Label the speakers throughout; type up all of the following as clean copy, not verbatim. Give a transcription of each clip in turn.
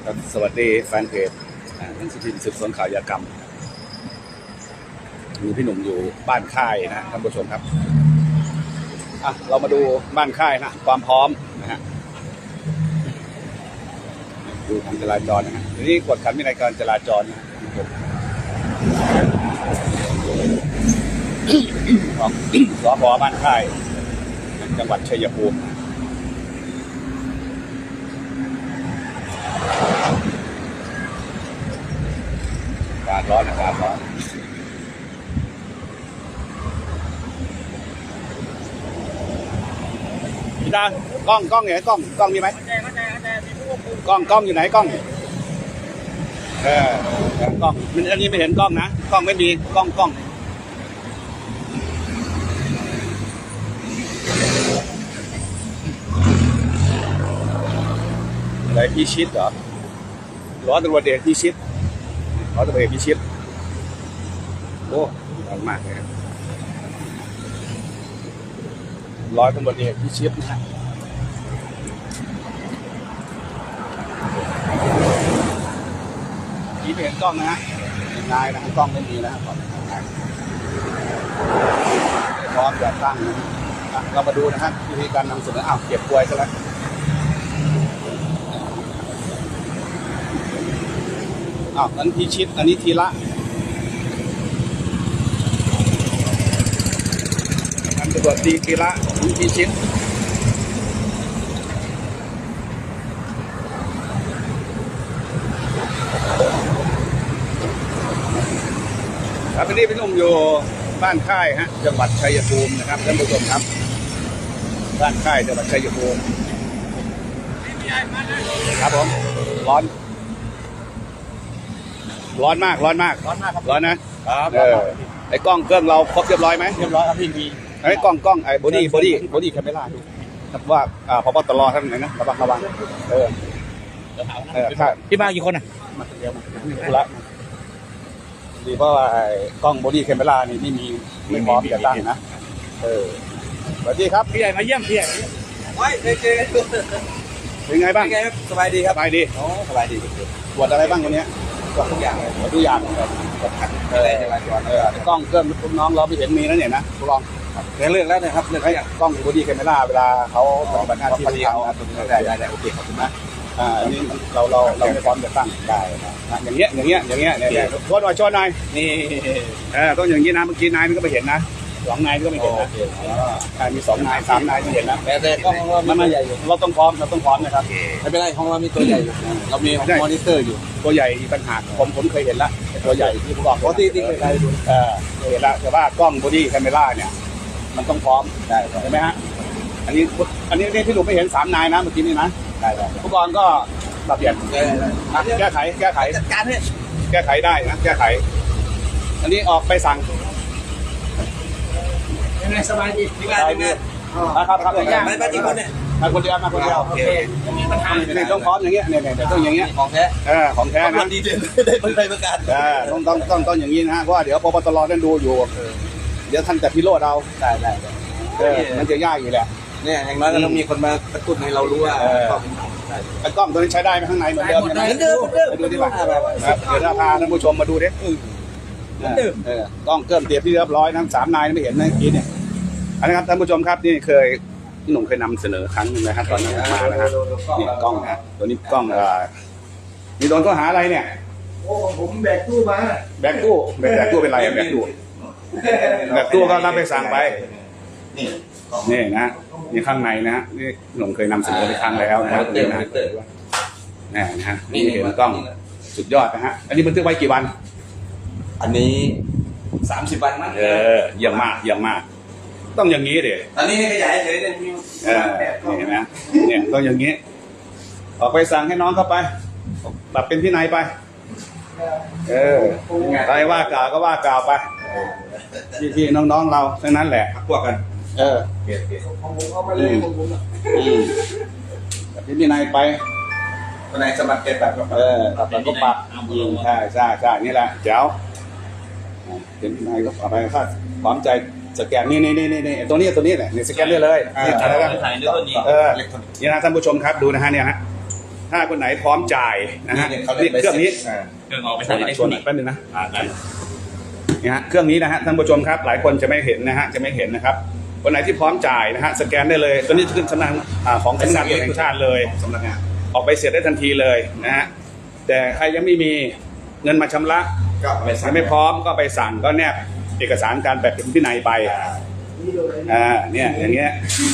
Speaker 1: ครับสวัสดีแฟนเพจหนังสือพิมพ์สืบสวนข่าวยากรรมมีพี่หนุ่มอยู่บ้านค่ายนะท่านผู้ชมครับเรามาดูบ้านค่ายนะความพร้อมนะฮะดูทางจราจรนะฮะทีนี้กวดขันวินัยการจราจรนะของสพ.บ้านค่ายจังหวัดชัยภูมิอากาศร้อนนะครับร้อนพี่ตากล้องอยู่ไหนกล้องมีไหมกล้องอยู่ไหนกล้องกล้องมันอันนี้ไม่เห็นกล้องนะกล้องไม่มีกล้องอะไรพิชิตเหรอร้อยตำรวจเอกพิชิตร้อยตำรวจเอกพิชิตโอ้ร้อนมากเลยร้อยตำรวจเอกพิชิตนะฮะนี่เป็นกล้องนะฮะนายนะกล้องไม่มีนะครับพร้อมจะตั้งนะเรามาดูนะฮะวิธีการนำเสนอเก็บกล้วยซะแล้วนั้นพิชิตอันนี้ทีละอันตำรวจตีทีละพิชิตครับวันนี้พี่หนุ่มอยู่บ้านค่ายฮะจังหวัดชัยภูมินะครับท่านผู้ชมครับบ้านค่ายจังหวัดชัยภูมิครับผมร้อนมากครับร้อนนะครับไอ้กล้องเครื่องเราครบเรียบร้อยไหมเรียบร้อยครับพี่มีไอ้กล้องไอ้บอดี้แคมเมล่าดูครับว่าพบตรท่านไหนนะระวัง
Speaker 2: พี่มากี่คนอ่ะ
Speaker 1: มาคนเดียวมาธุระดีเพราะว่าไอ้กล้องบอดี้แคมเมล่านี่ไม่พร้อมจะตั้งนะสวัสดีครับ
Speaker 2: พี่ใหญ่มาเยี่ยมพี่ใหญ่
Speaker 1: เป็นไงบ้าง
Speaker 2: สบายดีครับ
Speaker 1: สบายดี
Speaker 2: สบายดี
Speaker 1: ตรวจอะไรบ้างวันนี้
Speaker 2: ทุกอย่างเลย
Speaker 1: ทุกอย่างกล้องเครื่องลูกน้องเราไม่เห็นมีนะเนี่ยนะทุกลอง
Speaker 2: เรื่องแล้วนะครับเรื่อง
Speaker 1: กล้องบอดี้แคมเมล่าเวลาเขาปฏิบัติหน้าที่
Speaker 2: เขาได้โอเคขอบคุณนะ
Speaker 1: อันนี้เราไม่พร้อมจะตั้งได้นะอย่างเงี้ยเนี่ยโทษหน่อยนี่ต้องอย่างนี้นะเมื่อกี้นายมันก็ไม่เห็นนะ2 นายก็ไม่เห็นนะมี2 นาย3 นายที่เห็นนะ
Speaker 2: แต่ก็
Speaker 1: มันใหญ่อยู่เราต้องพร้อมนะครับ
Speaker 2: ไม่เป็นไรของเรามีตัวใหญ่อยู่เรามีมอนิเตอร์อยู่
Speaker 1: ตัวใหญ่มีปัญหาผมเคยเห็นแล้วตัวใหญ่ที่ผมบอก
Speaker 2: ปกติเคยดู
Speaker 1: เห็นแล้วแต่ว่ากล้องบอดี้แคมเมล่าเนี่ยมันต้องพร้อมได้ใช่ไหมฮะอันนี้พี่หนุ่มไม่เห็น3 นายนะเมื่อกี้นี่นะ
Speaker 2: ได้
Speaker 1: ผู้กองก็ปรับเปลี่ยนแก้ไข
Speaker 2: จัดการให้
Speaker 1: แก้ไขได้นะแก้ไขอันนี้ออกไปสั่ง
Speaker 2: ยังไงสบายดี
Speaker 1: ที่บ้านเป็นไงครับ
Speaker 2: มากี่คนเนี่ย
Speaker 1: มาคนเดียว
Speaker 2: โอเคมีปัญหา
Speaker 1: เนี่ยต้องพร้อมอย่างเงี้ยเนี่ยต้องอย่างเงี้ย
Speaker 2: ของแท้
Speaker 1: นะ
Speaker 2: ดีได้ผลประกาศ
Speaker 1: ต้องอย่างนี้นะฮะเพราะว่าเดี๋ยวปปตรท่านดูอยู่เดี๋ยวท่านจะพิโรธเอา
Speaker 2: ได้
Speaker 1: มันจะยากอยู่แหละ
Speaker 2: เนี่ยอย่างน้อยก็ต้องมีคนมากระตุ้นให้เรารู้ว่า
Speaker 1: ไอ้กล้องตัวนี้ใช้ได้ไหมข้างในเหมือนเดิมดูดิว่าเดี๋ยวพาท่านผู้ชมมาดูดิกล้องเครื่องเตรียมที่เรียบร้อยทั้ง3 นายไม่เห็นนะกินเนี่ยอันนี้ครับท่านผู้ชมครับนี่พี่หนุ่มเคยนำเสนอครั้งนึงนะครับตอนนั้นมานะฮะนี่กล้องนะตัวนี้กล้องมีโดนข้อหาอะไรเนี่ย
Speaker 2: ผมแบกตู้มา
Speaker 1: แบกตู้เป็นไรแบกตู้ก็รับไปสั่งไปนี่นะนี่ข้างในนะนี่หนุ่มเคยนำเสนอไปครั้งแล้วนะครับนี่นะฮะนี่เห็นกล้องสุดยอดนะฮะอันนี้บันทึกไว้กี่วัน
Speaker 2: อันนี้30 วันมั้ง
Speaker 1: เยี่ยมมากต้องอย่างนี้ดิ
Speaker 2: ตอนนี้ให้ขยายเฉยเลย
Speaker 1: นี่เห็นไหมเนี่ยต้องอย่างนี้ออกไปสั่งให้น้องเข้าไปปรับเป็นที่ไหนไปใครว่ากล่าวก็ว่ากล่าวไปพี่น้องเราทั้งนั้นแหละ
Speaker 2: พวกกัน
Speaker 1: ของผมเอาไปเลยของผมแบบที่ไหนไป
Speaker 2: คนไหนสมัครเป็นแบบ
Speaker 1: ปรับก็ปรับใช่นี่แหละเจ้าเป็นที่ไหนก็เอาไปค่าความใจสแกนนี่ตัวนี้แหละนี่สแกนเลยนี่อะไรกันนี่นะท่านผู้ชมครับดูนะฮะเนี่ยฮะถ้าคนไหนพร้อมจ่ายนะฮะ
Speaker 2: เขาเรียก
Speaker 1: เครื่องนี้
Speaker 2: เครื่องออกไป
Speaker 1: ช
Speaker 2: ใส่
Speaker 1: น
Speaker 2: ได้
Speaker 1: ชนแป๊บนึงนะ
Speaker 2: ได้
Speaker 1: นี่ฮะเครื่องนี้นะฮะท่านผู้ชมครับหลายคนจะไม่เห็นนะฮะจะไม่เห็นนะครับคนไหนที่พร้อมจ่ายนะฮะสแกนได้เลยตัวนี้จะขึ้นสำนักของสำนักงานตำรวจแห่งชาติเลยสำนักงานออกไปเสร็จได้ทันทีเลยนะฮะแต่ใครยังไม่มีเงินมาชำระ
Speaker 2: ก็ไปสั่ง
Speaker 1: ยังไม่พร้อมก็ไปสั่งก็แนบเอกสารการแบบเป็นวินัยไปเนี่ยอย่างเงี้ย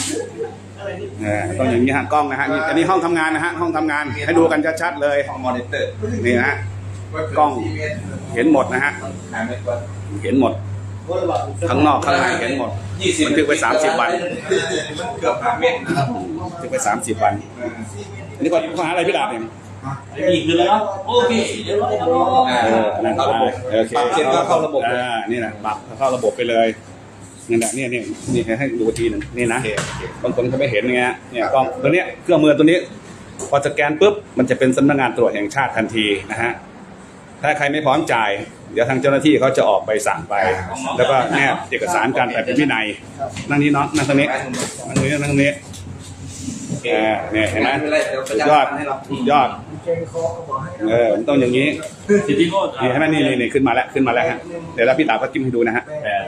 Speaker 1: ต้องอย่างนี้ฮะกล้องนะฮะอันนี้ห้องทำงานนะฮะห้องทำงานให้ดูกันชัดๆเลย
Speaker 2: ของมอนิเตอร์
Speaker 1: นี่นะฮะกล้องเห็นหมดนะฮะเห็นหมดข้างนอกข้างในเห็นหมดมันถึงไป30 วัน
Speaker 2: เกือบ5 เมตรนะครับ
Speaker 1: ถึงไป30 วันอันนี้ข้อหาอะไรพี่ดาบเนี่ย
Speaker 3: อีกเลยแล้วโอเคเดี๋ยวเราจะรอ
Speaker 1: นั่น
Speaker 2: เข้าระบบ
Speaker 1: โอเค
Speaker 2: ปรับเสร็จก็เข้าระบบเลย
Speaker 1: นี่นะปรับเข้าระบบไปเลยนี่นะนี่ให้ดูทีหนึ่งนี่นะบางคนเขาไม่เห็นไงเนี่ยกล้องตัวเนี้ยเครื่องมือตัวนี้พอสแกนปุ๊บมันจะเป็นสำนักงานตรวจแห่งชาติทันทีนะฮะถ้าใครไม่พร้อมจ่ายเดี๋ยวทางเจ้าหน้าที่เขาจะออกใบสั่งไป แล้วก็แนบเอกสารการแบบเป็นวินัยนั่งนี้น้องนั่งตรงนี้นั่งตรงนี้นั่งตรงนี้เนี่ยเห็นไหมสุดยอดสุดยอดมันต้องอย่างนี้
Speaker 3: สิทธิโทษ
Speaker 1: นี่ให้ไหมนี่ขึ้นมาแล้วฮะเดี๋ยวเราพี่ตาก็จิ้มให้ดูนะฮะ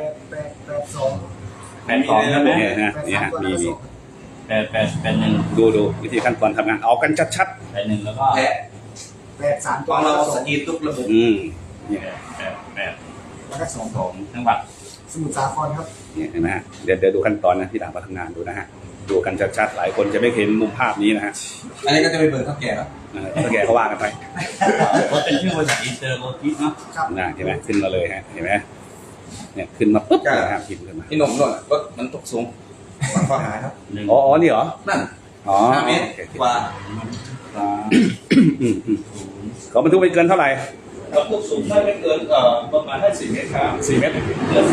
Speaker 3: 8 2ใช่ไหม
Speaker 1: นี่ฮะมี
Speaker 3: 8 1
Speaker 1: ดูวิธีขั้นตอนทำงานเอากันชัด
Speaker 3: 8 1แล้วก็
Speaker 2: แพ้
Speaker 4: 8 3
Speaker 2: ของเราสกรีนทุกระบบ
Speaker 1: ๆเนี่ย
Speaker 3: 8
Speaker 4: แล้วก็2
Speaker 3: จังหวัด
Speaker 4: สมุทรสาครครับ
Speaker 1: เห็นไหมฮะเดี๋ยวดูขั้นตอนนะพี่ตาก็ทำงานดูนะฮะดูกันชัดๆหลายคนจะไม่เห็นมุมภาพนี้นะฮะ
Speaker 2: อันนี้ก็จะไปเบิกเท่าแก่แล้ว
Speaker 1: ถ้าแกเขาว่ากันไป
Speaker 3: เพราะเป็นชื่อบริษัทอินเตอร์โลจิสเนาะ
Speaker 1: นะเห็นไหมขึ้นมาเลยฮะเห็นไหมเนี่ยขึ้นมาปุ๊บเลยครับพิมพ์ขึ้นมา
Speaker 2: พี่หนุ่มนู่นรถมันตกสูงมันข้อหาครับ
Speaker 1: อ๋อนี่เหรอ
Speaker 2: นั่น
Speaker 1: อ๋อ
Speaker 2: 5 เมตรกว่า
Speaker 1: เขาบรรทุกไปเกินเท่าไหร่
Speaker 3: กับพวกสูงไม่เกินประมาณ4 เมตรครับ
Speaker 1: 4 เมตร
Speaker 3: เกิน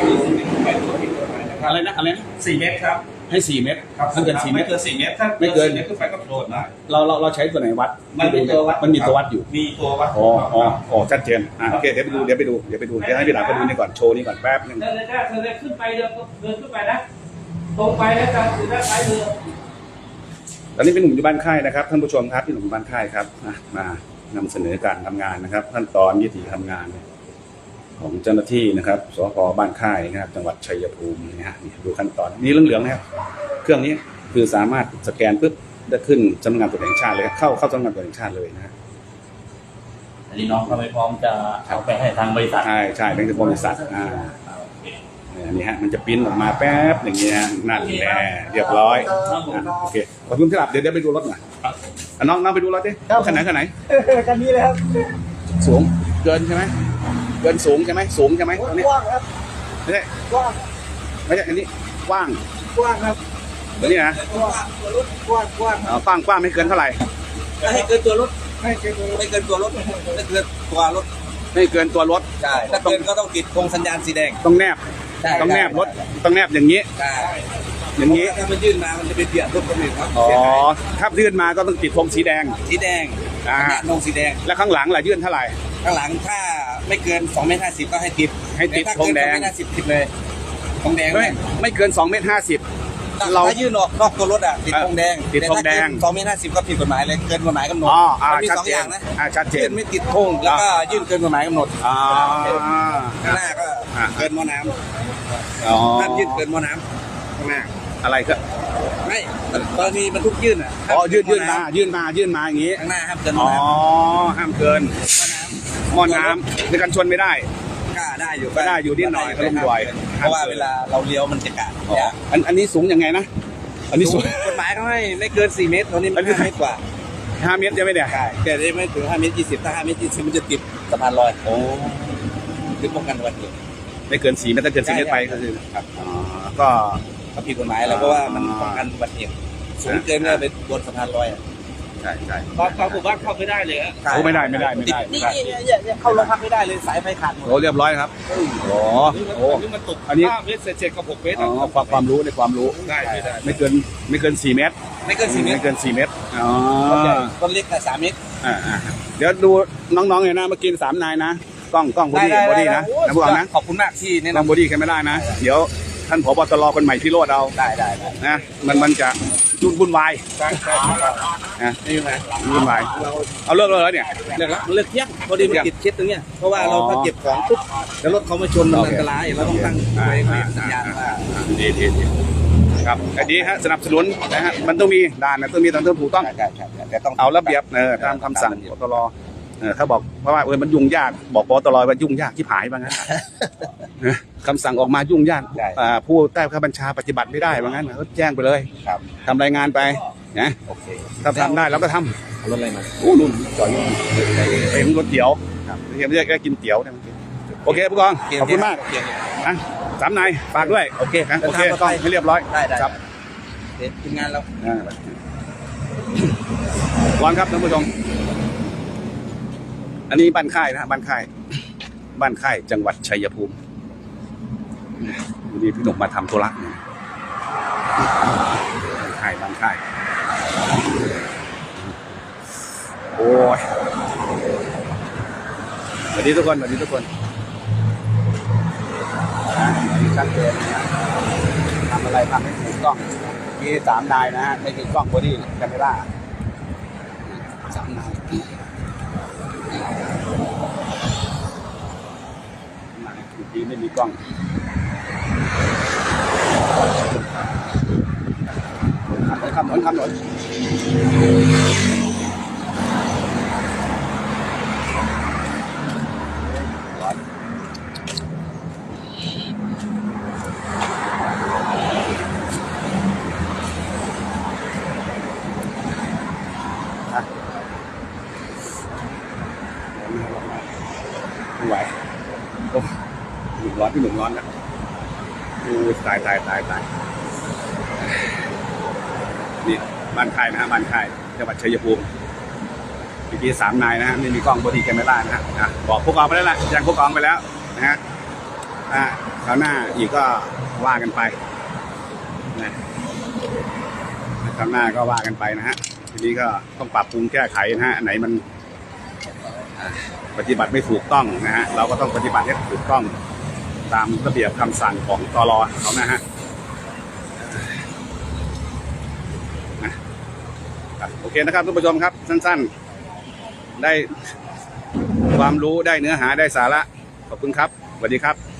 Speaker 3: 4เมตรตัวผิดกฎหมายนะครับ
Speaker 1: อะไรนะ
Speaker 3: 4 เมตรครับ
Speaker 1: ให้4 เมตรถ้าเกิน4 เม
Speaker 3: ไม่
Speaker 1: ตร
Speaker 3: เกิน4 เมตรถ้า
Speaker 1: ไม่เกิน
Speaker 3: 4 เมตรขึ้นไปก็โดนได้
Speaker 1: เราใช้ตัวไหนวัด
Speaker 3: มันมีตัววัด
Speaker 1: มันมีตัววัดอยู่
Speaker 3: มีตัววัด
Speaker 1: อ๋อชัดเจนโอเคเดี๋ยวไปดูเดี๋ยวให้พี่หลานไปดูนี่ก่อนโชว์นี่ก่อนแป๊บนึง
Speaker 3: เดินขึ้นไปเดินขึ้นไปนะตรงไปแล้วกันคือด้านซ้ายมือ
Speaker 1: ตอนนี้เป็นหนุ่มอยู่บ้านค่ายนะครับท่านผู้ชมครับพี่หนุ่มอยู่บ้านค่ายครับมานำเสนอการทำงานนะครับขั้นตอนวิธีทำงานของเจ้าหน้าที่นะครับสพบ้านค่ายนะครับจังหวัดชัยภูมินะฮะดูขั้นตอนนี้เหลืองๆนะครับเครื่องนี้คือสามารถสแกนปุ๊บจะขึ้นสำนักงานตรวจแห่งชาติเลยเข้าสำนักงานตรวจแห่งชาติเลยนะ
Speaker 3: อันนี้น้องเขาไม่พร้อมจะเอาไปให้ทางบริษัท
Speaker 1: ใช่เป็นบริษัทอันนี้ฮะมันจะปริ้นออกมาแป๊บอย่างเงี้ยนั่นแหละเรียบร้อยโอเคขอบคุณที่หลับเดี๋ยวไปดูรถหน่อยน้องไปดูรถดิขนาดไหน
Speaker 4: กันนี้เลยครับ
Speaker 1: สูงเกินใช่ไหมเกินสูงใช่ไหมสูงใช่ไหมตรงนี้
Speaker 4: กว้างครับ
Speaker 1: ไม่ใช่
Speaker 4: กว้าง
Speaker 1: ไม่ใช่อันนี้กว้าง
Speaker 4: กว้างครับ
Speaker 1: ตัวนี้นะ
Speaker 4: กว้างครับ
Speaker 1: กว้างไม่เกินเท่าไหร่
Speaker 2: ให้เกินตัวรถ
Speaker 4: ให้เกิน
Speaker 2: ไม่เกินตัวรถไม่เกินตัวรถ
Speaker 1: ไม่เกินตัวรถ
Speaker 2: ใช่ถ้าเกินก็ต้องติดธงสัญญาณสีแดง
Speaker 1: ต้องแนบ
Speaker 2: ใช่
Speaker 1: ต้องแนบรถต้องแนบอย่างนี้
Speaker 2: ใช่
Speaker 1: อย่างนี้
Speaker 2: ถ้ามันยื่นมามันจะเป็นเบียดรถคนอื่นครับ
Speaker 1: อ๋อถ้ายื่นมาก็ต้องติดธงสีแดง
Speaker 2: สีแดง
Speaker 1: อ่า
Speaker 2: สัญญาณธงสีแดง
Speaker 1: แล้วข้างหลังล่ะยื่นเท่าไหร่
Speaker 2: ข้างหลังถ้าไม่เกิน2 เมตร 50ก็ให้ติด
Speaker 1: ให้ติด
Speaker 2: ต่ถ้า
Speaker 1: ธงแดง
Speaker 2: เกิน2 เมตร 50ติดเลยธงแดง
Speaker 1: ไม่เกิน2 เมตร เรา
Speaker 2: ถ้ายื่นออกนอกตัวรถอ่ะติดธงแดง
Speaker 1: ติดธงแดง
Speaker 2: 2 เมตร 50ก็ผิดกฎหมายเลยเกินกฎหมายกำหนด มันมี
Speaker 1: ชัด
Speaker 2: 2
Speaker 1: เจ
Speaker 2: อน ย่างนะ
Speaker 1: ชัดเจ
Speaker 2: ยื่
Speaker 1: น
Speaker 2: นไม่ติดธงแล้วก็ยื่นเกินกฎหมายกำหนด ข้างหน้าก็เกินหม้อน้ำห้ามยื่นเกินหม้อน้ำข้างหน้า
Speaker 1: อะไรก็
Speaker 2: ไม่กรณีบรรทุกยื่นอ่ะ
Speaker 1: ยื่นมาอย่างนี้
Speaker 2: ข้างหน้าห้ามเกินหม้
Speaker 1: อ๋
Speaker 2: อ
Speaker 1: อ
Speaker 2: น้ำ
Speaker 1: ห้ามเกินหม้อน้ำในการชนไม่ได้
Speaker 2: ก็ได้อยู่
Speaker 1: ก็ได้อยู่นิดหน่อยก็ต้องบ่อย
Speaker 2: เพราะว่าเวลาเราเลี้ยวมันจะกะ
Speaker 1: อันนี้สูงยังไงนะอันนี้สูง
Speaker 2: กฎหมายเขาให้ไม่เกิน4 เมตรตอนนี้มัน5 เมตรกว่า
Speaker 1: 5 เมตรจะไม่ได้
Speaker 2: ใช่แต่ได้ไม่ถึง5 เมตร 20ถ้า5 เมตร 20มันจะติดสะพานลอย
Speaker 1: โอ้
Speaker 2: คือป้องกันอุบัติเหตุ
Speaker 1: ไม่เกิน4 เมตรถ้าเกิน4 เมตรไปก็คือครับก็
Speaker 2: ก็ผิดกฎหมายแล้วเพราะว่ามันป้องกันอุบัติเหตุสูงเกินก็ไปบนสะพานลอยอ่ะ
Speaker 1: ใช่
Speaker 3: เขาบอกว่าเข้าไม่ได้เลยฮะ
Speaker 1: โอ้ไม่ได้
Speaker 2: นี่เข้าโรงพักไม่ได้เลยสายไฟขาดหมด
Speaker 1: โอ้เรียบร้อยครับโอ้
Speaker 3: นี่มันตก
Speaker 1: อันนี้
Speaker 3: 5 เมตรเศษกับ6 เมตร
Speaker 1: ความรู้ในความรู้
Speaker 3: ได้
Speaker 1: ไม่เกิน4 เมตร
Speaker 2: ไม่เกิน4 เมตร
Speaker 1: ไม่เกิน4 เมตรอ๋อ
Speaker 2: ต้นเล็กแต่3 เมตร
Speaker 1: เดี๋ยวดูน้องๆเนี่ยนะเมื่อกี้3 นายนะกล้องบอดี้นะพวกเรานะ
Speaker 2: ขอบคุณมากที่แนะ
Speaker 1: กล้อง
Speaker 2: นำ
Speaker 1: บอดี้แค่ไม่ได้นะเดี๋ยวท่านผบ.ตรคนใหม่พี่โรดเอา
Speaker 2: ได้
Speaker 1: นะมันจะวุ่นวาย
Speaker 2: ใช่ใช่
Speaker 1: นะ
Speaker 2: นี่ไง
Speaker 1: วุ่นวาย
Speaker 2: เรา
Speaker 1: เอาเลิกแล้วเนี่ย
Speaker 2: เลิกแล้วมันเลิกเที่ยงพอดีมันติดเคสตรงเนี้ยเพราะว่าเราถ้าเก็บของปุ๊บแล้วรถเขามาชนมันอันตรายเราต้องตั้งไว้ให้สัญญาณว่า
Speaker 1: ดีครับอันนี้ฮะสนับสนุนนะฮะมันต้องมีด่านนะต้องมีตามถูกต้อง
Speaker 2: ใช่แต่ต้อง
Speaker 1: เอาระเบียบตามคำสั่งปตรถ้าบอกว่ามันยุ่งยากบอกปตรว่ายุ่งยากที่ผายว่างั้นคำสั่งออกมายุ่งยากผู้ใต้บังคับบัญชาปฏิบัติไม่ได้ว่างั้นก็แจ้งไปเลย
Speaker 2: ครับ
Speaker 1: ทำรายงานไปนะ
Speaker 2: โอเค
Speaker 1: ถ้าทำได้เราก็ท
Speaker 2: รถอะไรมา
Speaker 1: ำโอ้นุ่นจอดอยู่เป็นรถเตี๋ยวเรียกกินเตี๋ยวเนี่ยโอเคผู้กองขอบคุณมากนะสามนายฝากด้วยโอเคครับโอเคต้องให้เรียบร้อย
Speaker 2: ได้
Speaker 1: ครับ
Speaker 2: เดี๋ยวทีมงานเรา
Speaker 1: ร้อนครับท่านผู้ชมอันนี้บ้านค่ายนะบ้านค่ายจังหวัดชัยภูมิวันนี้พี่หนุ่มมาทำธุระบ้านค่ายโอ้ยสวัสดีทุกคนชัดเจนนะทำอะไรทำให้ถูกต้องมี3 นายนะฮะไม่มีกล้องบอดี้แคมเมร่า3 นายเมื่อกี้ไม่มีกล้องคำหนไม่ไหวโอ้หนุ่มร้อนพี่หนุ่มร้อนนะดูตายนี่บ้านค่ายนะฮะบ้านค่ายจังหวัดชัยภูมิเมื่อกี้3 นายนะฮะไม่มีกล้องบอดี้แคมเมร่านะฮะบอกผู้กองไปแล้วล่ะแจ้งผู้กองไปแล้วนะฮะคราวหน้าอีกก็ว่ากันไปนะคราวหน้าก็ว่ากันไปนะฮะทีนี้ก็ต้องปรับปรุงแก้ไขนะฮะไหนมันปฏิบัติไม่ถูกต้องนะฮะเราก็ต้องปฏิบัติให้ถูกต้องตามระเบียบคำสั่งของตร.เขานะฮะโอเคนะครับทุกผู้ชมครับสั้นๆได้ความรู้ได้เนื้อหาได้สาระขอบคุณครับสวัสดีครับ